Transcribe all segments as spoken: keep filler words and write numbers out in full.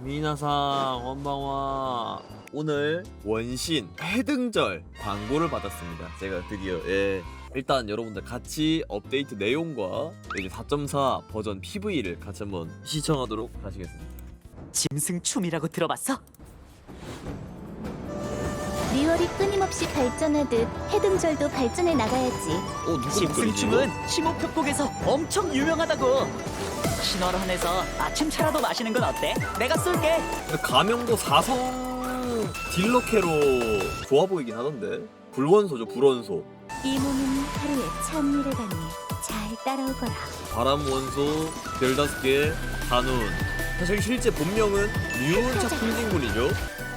미나상 원방와 오늘 원신 해등절 광고를 받았습니다. 제가 드디어 예 일단 여러분들 같이 업데이트 내용과 이제 사 점 사 버전 피브이를 같이 한번 시청하도록 하시겠습니다. 짐승춤이라고 들어봤어? 리월이 끊임없이 발전하듯 해등절도 발전해 나가야지. 어 누구 짐승춤은 심호흡곡에서 엄청 유명하다고. 신월원에서 아침 차라도 마시는 건 어때? 내가 쏠게. 가명도 사성 딜러캐로 좋아 보이긴 하던데. 불원소죠 불원소. 이 몸은 하루에 천일을 가니 잘 따라오거라. 바람원소 별다섯 개 단운. 사실 실제 본명은 류은차 풍진군이죠.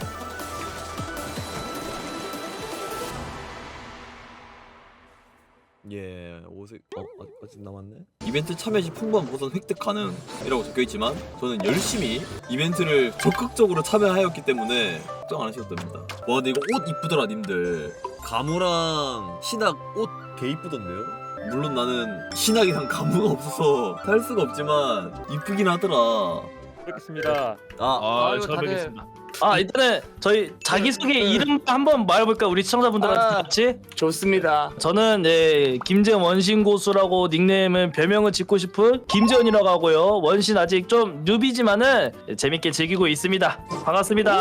예, 오색 어 아직 남았네. 이벤트 참여 시 풍부한 보상 획득 가능이라고 적혀 있지만 저는 열심히 이벤트를 적극적으로 참여하였기 때문에 걱정 안 하셔도 됩니다. 와, 근데 이거 옷 이쁘더라, 님들. 가무랑 신학 옷 개 이쁘던데요? 물론 나는 신학이랑 가무가 없어서 살 수가 없지만 이쁘긴 하더라. 뵙겠습니다. 아, 아, 아유, 저 다들- 뵙겠습니다. 아, 일단은 저희 자기소개 이름 한번 말해볼까? 우리 시청자분들한테 아. 같이? 좋습니다. 저는 네, 김재원 원신 고수라고 닉네임은 별명을 짓고 싶은 김재원이라고 하고요. 원신 아직 좀 뉴비지만은 재밌게 즐기고 있습니다. 반갑습니다.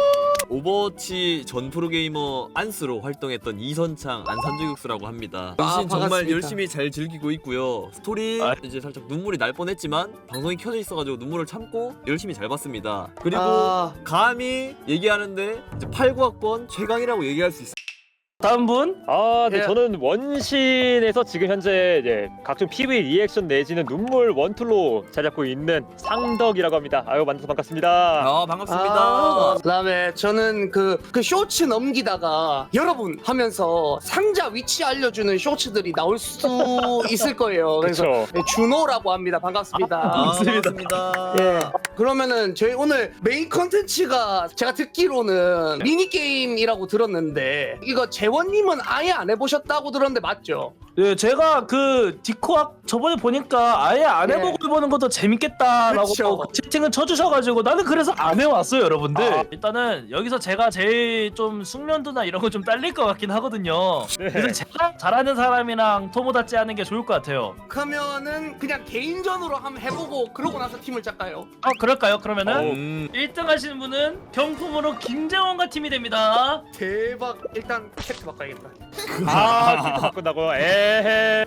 오버워치 전 프로게이머 안스로 활동했던 이선창 안산저격수라고 합니다. 아, 원신 정말 반갑습니다. 열심히 잘 즐기고 있고요. 스토리 아. 이제 살짝 눈물이 날 뻔했지만 방송이 켜져 있어가지고 눈물을 참고 열심히 잘 봤습니다. 그리고 아. 감히 얘기하는데 이제 팔, 구 학번 최강이라고 얘기할 수 있어요. 다음 분? 아, 네, 예. 저는 원신에서 지금 현재 이제 각종 피브이 리액션 내지는 눈물 원툴로 잘 잡고 있는 상덕이라고 합니다. 아유, 만나서 반갑습니다. 아 반갑습니다. 아, 그다음에 저는 그, 그 쇼츠 넘기다가 여러분 하면서 상자 위치 알려주는 쇼츠들이 나올 수 있을 거예요. 그래서 그렇죠. 네, 준호라고 합니다. 반갑습니다. 아, 반갑습니다. 반갑습니다. 예. 그러면은 저희 오늘 메인 컨텐츠가 제가 듣기로는 미니 게임이라고 들었는데 이거 재원님은 아예 안 해보셨다고 들었는데 맞죠? 네, 제가 그 디코학 저번에 보니까 아예 안 네. 해보고 해보는 것도 재밌겠다라고 그쵸. 그 채팅을 쳐주셔가지고 나는 그래서 안 해왔어요, 여러분들. 아. 일단은 여기서 제가 제일 좀 숙련도나 이런 거 좀 딸릴 것 같긴 하거든요. 네. 그래서 제가 잘하는 사람이랑 토모다치 하는 게 좋을 것 같아요. 그러면은 그냥 개인전으로 한번 해보고 그러고 나서 팀을 짤까요? 아, 그럴까요? 그러면은 음, 일 등 하시는 분은 경품으로 김재원과 팀이 됩니다. 대박. 일단 캡트 바꿔야겠다. 아, 키트 바꾼다고요? 에헤.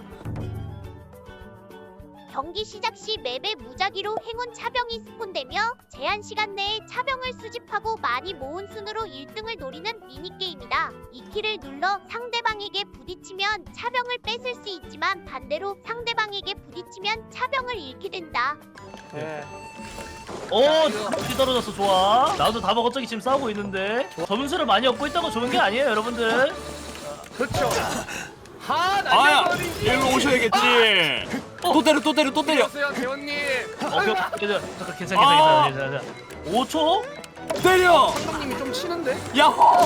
경기 시작 시 맵에 무작위로 행운 차병이 스폰되며 제한 시간 내에 차병을 수집하고 많이 모은 순으로 일 등을 노리는 미니게임이다. 이 키를 눌러 상대방에게 부딪히면 차병을 뺏을 수 있지만 반대로 상대방에게 부딪히면 차병을 잃게 된다. 네. 오, 다 떨어졌어. 좋아. 나도 다 먹었더니 지금 싸우고 있는데 점수를 많이 얻고 있다고 좋은 게 아니에요, 여러분들. 그렇죠. 하 아야 날려버리지. 일로 오셔야겠지. 또 때려 또 때려 또 때려. 안녕하세요 재원님. 오케이, 괜찮아, 잠깐, 괜찮아, 아. 괜찮아, 괜찮아. 오 초? 때려. 선생님이 좀 치는데? 야호.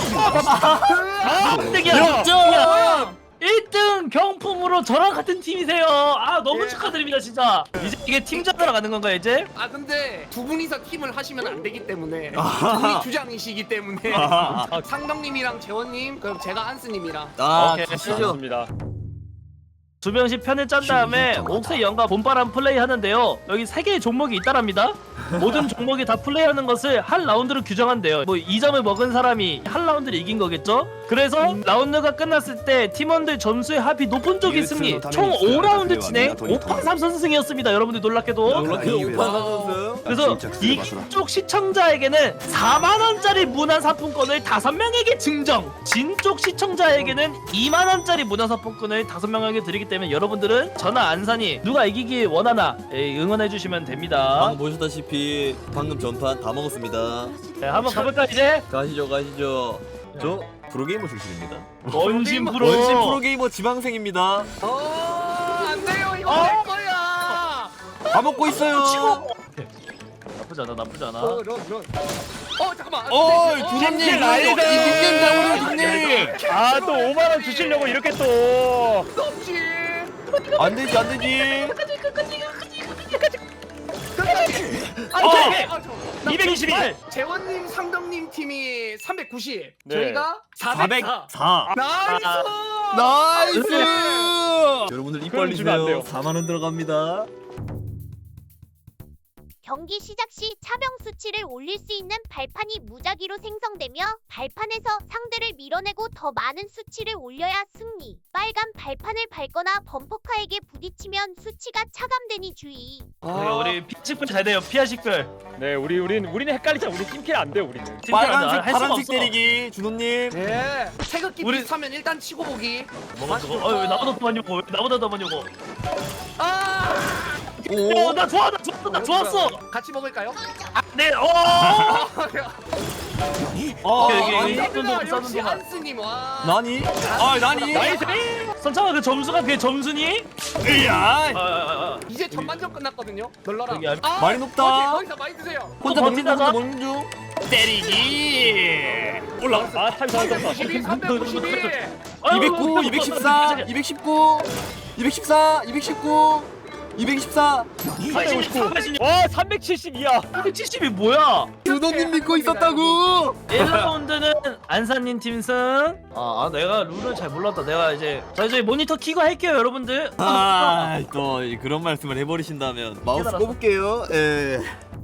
아, 일 등이야. 역전. 일 등 경품으로 저랑 같은 팀이세요. 아, 너무 예. 축하드립니다, 진짜. 이제 이게 팀전으로 가는 건가요, 이제? 아 근데 두 분이서 팀을 하시면 안 되기 때문에 두 분이 주장이시기 때문에 아, 상덕님이랑 재원님 그럼 제가 안스님이랑 아 오케이. 가시죠. 좋습니다. 두 명씩 편을 짠 다음에 옥새 연가 봄바람 플레이 하는데요. 여기 세 개의 종목이 있다랍니다. 모든 종목이 다 플레이하는 것을 한 라운드로 규정한대요. 뭐 이 점을 먹은 사람이 한 라운드를 이긴 거겠죠? 그래서 라운드가 끝났을 때 팀원들 점수의 합이 높은 쪽이 승리. 총 오 라운드 진행 오 판 삼 선승이었습니다. 여러분들 놀랍게도. 놀랍게 오판 선수. 그래서 이긴 쪽 시청자에게는 사만 원짜리 문화 상품권을 다섯 명에게 증정. 진 쪽 시청자에게는 이만 원짜리 문화 상품권을 다섯 명에게 드리기 때문에 여러분들은 저나 안산이 누가 이기길 원하나 예, 응원해 주시면 됩니다. 방금 보셨다시피 방금 전판 다 먹었습니다. 네, 한번 가볼까 이제? 가시죠 가시죠. 저 프로게이머 출신입니다. 원심 프로. 원신 프로게이머 지망생입니다. 어 안돼요 이거 어? 내 거야. 다 먹고 있어요. 나쁘지 않아, 나쁘지 않아. 어 런, 런. 어 잠깐만. 어이 어, 두님님 난리다. 이님 잡으세요 두님. 아, 또 오만 원 주시려고 이렇게 또. 없지. 안 되지 안 되지. 끝까지. 아, 오케이. 아, 저. 이백이십일. 재원님, 상덕님 팀이 삼백구십, 네. 저희가 사백사. 사백사. 나이스! 나이스! 여러분들 입 그럼 주면 안 벌리세요. 돼요. 사만 원 들어갑니다. 경기 시작 시 차병 수치를 올릴 수 있는 발판이 무작위로 생성되며 발판에서 상대를 밀어내고 더 많은 수치를 올려야 승리. 빨간 발판을 밟거나 범퍼카에게 부딪히면 수치가 차감되니 주의. 그러니까 우리 피식별 잘 돼요. 피아식별. 네, 우리 우린 우리는 헷갈리잖아. 우리 팀킬 안 돼, 우리는. 빨간색, 할 수가 파란색 없어. 때리기, 준호님. 예. 태극기 우리- 비슷하면 일단 치고 보기. 뭐가 저거? 어, 왜 나보다 더 많이 오고? 왜 나보다 더 많이 오고? 아! 오. 어, 나 좋아, 나 좋았어, 나 좋았어. 같이 먹을까요? 네, 어. 어, 여기, 여기, 아니, 여기. 싸는 동안, 싸는 역시 동안. 한스님 와. 나니? 아, 나니? 나이스. 선창아 그 점수가 그게 점수니? 으야! 아, 아, 아, 아. 이제 전반전 끝났거든요. 널러라. 여기 안- 아, 많이 높다. 거기서, 거기서 많이 드세요. 혼자 어, 먹는 중, 혼자 버티다가? 먹는 중. 때리기. 올라갔어. 아, 타임 잘했다. 삼백구십이, 삼백구십이. 아유, 이백구, 이백십사, 이백십구, 이백십사, 이백십구, 이백십사. 삼백오십구, 삼백오십구. 와, 삼백칠십이야. 삼백칠십이 뭐야? 준호님 믿고 있었다고. 일 라운드는 안산님 팀승. 아, 아, 내가 룰을 잘 몰랐다. 내가 이제 자 이제 모니터 키고 할게요, 여러분들. 아, 또 그런 말씀을 해버리신다면 마우스 깨달았어. 꼽을게요. 예.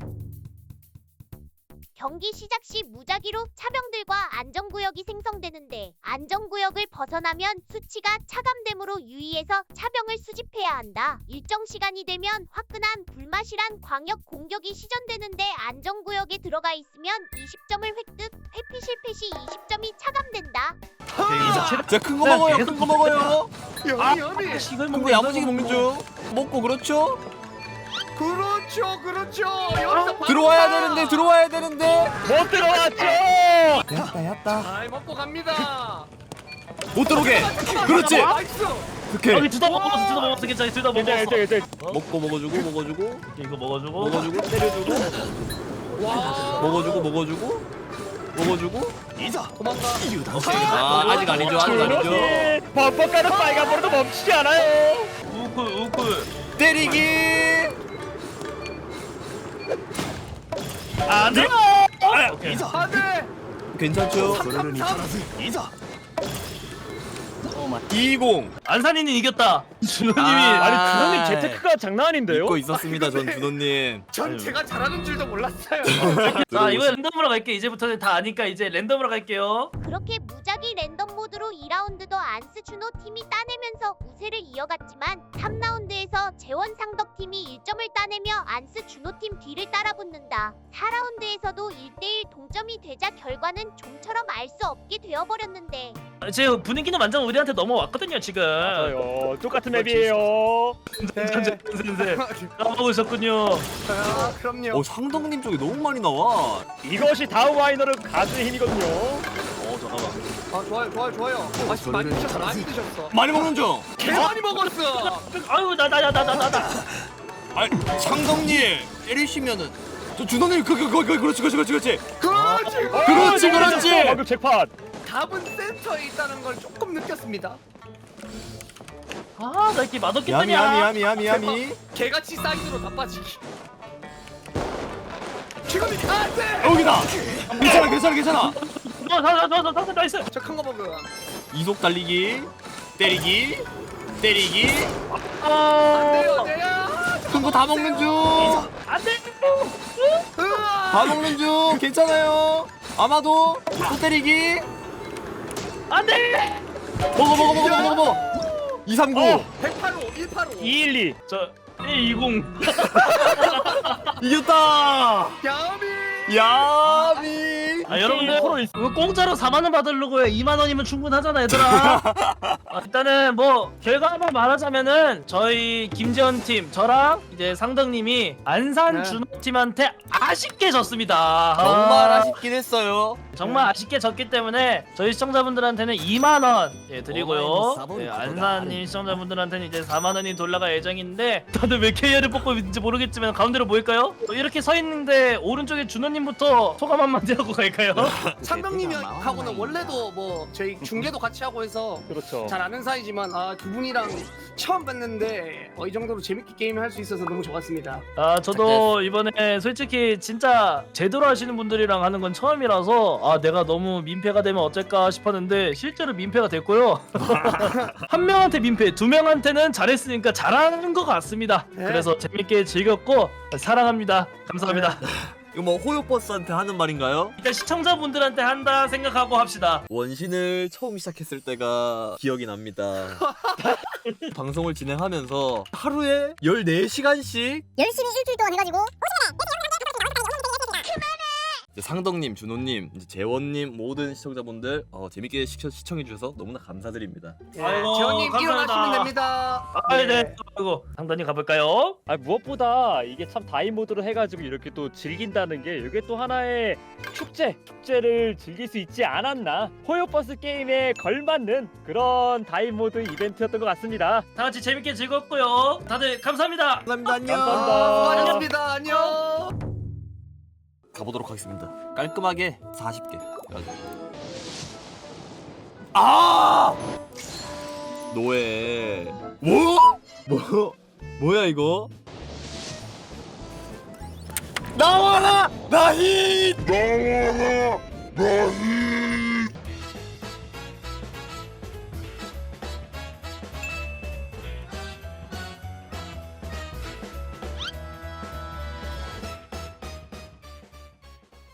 경기 시작 시 무작위로 차병들과 안전구역이 생성되는데 안전구역을 벗어나면 수치가 차감됨으로 유의해서 차병을 수집해야 한다. 일정 시간이 되면 화끈한 불맛이란 광역 공격이 시전되는데 안전구역에 들어가 있으면 이십 점을 획득, 회피 실패 시 이십 점이 차감된다. 자, 큰 거 먹어요. 큰 거 먹어요. 여미 여미. 이걸 큰 거 야무지게 먹는 중. 먹고 그렇죠? 그렇죠, 그렇죠. 여기서 바로 들어와야 가. 되는데 들어와야 되는데 못 들어왔죠. 야따 야따 잘 먹고 갑니다. 못 들어오게. 그렇지. 나이스. 오케이. 여기 둘 다 먹었어, 둘 다 먹었어, 괜찮아, 둘 다 괜찮아, 먹었어. 괜찮아, 괜찮아. 먹고 먹어주고 먹어주고 이거 먹어주고. 먹어주고 때려주고 와. 먹어주고 먹어주고 먹어주고 도망가. 아 아직 아니죠 아직 아니죠. 범퍼카는 빨간불도 멈추지 않아요. 우쿨, 우쿨. 때리기. 안 돼. 오케이. 안돼. 괜찮죠? 이십. 안산이는 이겼다. 준호님이. 아. 아니, 그놈이 재테크가 장난 아닌데요? 믿고 있었습니다 전 준호님. 전 제가 잘하는 줄도 몰랐어요. 자, 이번에 랜덤으로 갈게. 이제부터는 다 아니까 이제 랜덤으로 갈게요. 그렇게 무작위 랜덤 모드로 이 라운드도 안스 준호 팀이 따내면서 우세를 이어갔지만 삼 라운드에서 재원 상덕 팀이 일 점을 따내며 안스 준호 팀 뒤를 따라붙는다. 사 라운드에서도 일 대 일 동점이 되자 결과는 좀처럼 알 수 없게 되어버렸는데 제 분위기는 완전 우리한테 넘어왔거든요, 지금. 맞아요. 똑같은 맵이에요. 선생님 까먹으셨군요. 아, 그럼요. 어 상덕님 쪽이 너무 많이 나와. 이것이 다음 와이너는 가수의 힘이거든요. 어, 잠깐만. 아 좋아요, 좋아요, 좋아요. 맛있 많이 드셨어, 많이 드셨어. 많이 먹는 중. 개 많이 먹었어. 아유, 나, 나, 나, 나, 나, 나. 아 상덕님 때리시면은 저 준호님 그그 그, 그, 그렇지 그렇지 그렇지 그렇지. 그렇지. 그렇지 그렇지. 방금 잭팟. 답은 센터에 있다는 걸 조금 느꼈습니다. 아, 나 이렇게 맛없게 야미 뜨냐? 야미 야미 야미 야미. 개같이 사이드로 다 빠지기. 지금이 안돼. 여기다. 괜찮아 괜찮아 괜찮아. 어, 나, 나, 나, 나, 나, 나이스. 저큰 거 먹음. 이속 달리기 때리기 때리기 아, 안돼요, 안돼요. 큰 거 다 먹는 중. 안 돼. 으아. 다 먹는 중. 괜찮아요. 아마도 또 때리기. 안 돼. 먹어 먹어 먹어 먹어 먹어. 이삼구. 어. 백팔십오, 일팔십오. 이일이. 저 일이십. 이겼다. 야미. 야미. 아, 여러분들 이거 공짜로 사만 원 받으려고 해. 이만 원이면 충분하잖아, 얘들아. 아, 일단은 뭐 결과만 말하자면은 저희 김재원 팀, 저랑 이제 상덕님이 안산 네. 준호 팀한테 아쉽게 졌습니다. 정말 아, 아쉽긴 했어요. 정말 아쉽게 졌기 때문에 저희 시청자분들한테는 이만 원 예, 드리고요. 예, 안산님 시청자분들한테는 이제 사만 원이 돌아갈 예정인데 다들 왜 케이알을 뽑고 있는지 모르겠지만 가운데로 모일까요? 또 이렇게 서 있는데 오른쪽에 준호님부터 소감 한마디 하고 갈까요? 그러니까요. 상덕님하고는 원래도 뭐 저희 중계도 같이 하고 해서 그렇죠. 잘 아는 사이지만 아, 두 분이랑 처음 뵀는데 어, 이 정도로 재밌게 게임을 할 수 있어서 너무 좋았습니다. 아 저도 이번에 솔직히 진짜 제대로 하시는 분들이랑 하는 건 처음이라서 아 내가 너무 민폐가 되면 어쩔까 싶었는데 실제로 민폐가 됐고요. 한 명한테 민폐, 두 명한테는 잘했으니까 잘하는 것 같습니다. 네. 그래서 재밌게 즐겼고 사랑합니다. 감사합니다. 이거 뭐 호요버스한테 하는 말인가요? 일단 시청자분들한테 한다 생각하고 합시다. 원신을 처음 시작했을 때가 기억이 납니다. 방송을 진행하면서 하루에 열네 시간씩 열심히 일주일 동안 해가지고 이제 상덕님, 준호님, 이제 재원님 모든 시청자분들 어, 재밌게 시청, 시청해주셔서 너무나 감사드립니다. 예, 아이고, 재원님 감사합니다. 일어나시면 됩니다. 아, 네. 아이고 상단님 가볼까요? 아 무엇보다 이게 참 다이 모드로 해가지고 이렇게 또 즐긴다는 게 이게 또 하나의 축제 축제를 즐길 수 있지 않았나. 호요버스 게임에 걸맞는 그런 다이 모드 이벤트였던 것 같습니다. 다 같이 재밌게 즐겁고요. 다들 감사합니다. 감사합니다. 안녕. 감사합니다. 수고하셨습니다. 안녕. 가보도록 하겠습니다. 깔끔하게 사십 개. 아! 노예. 뭐? 뭐? 뭐야 이거? 나와라! 나히!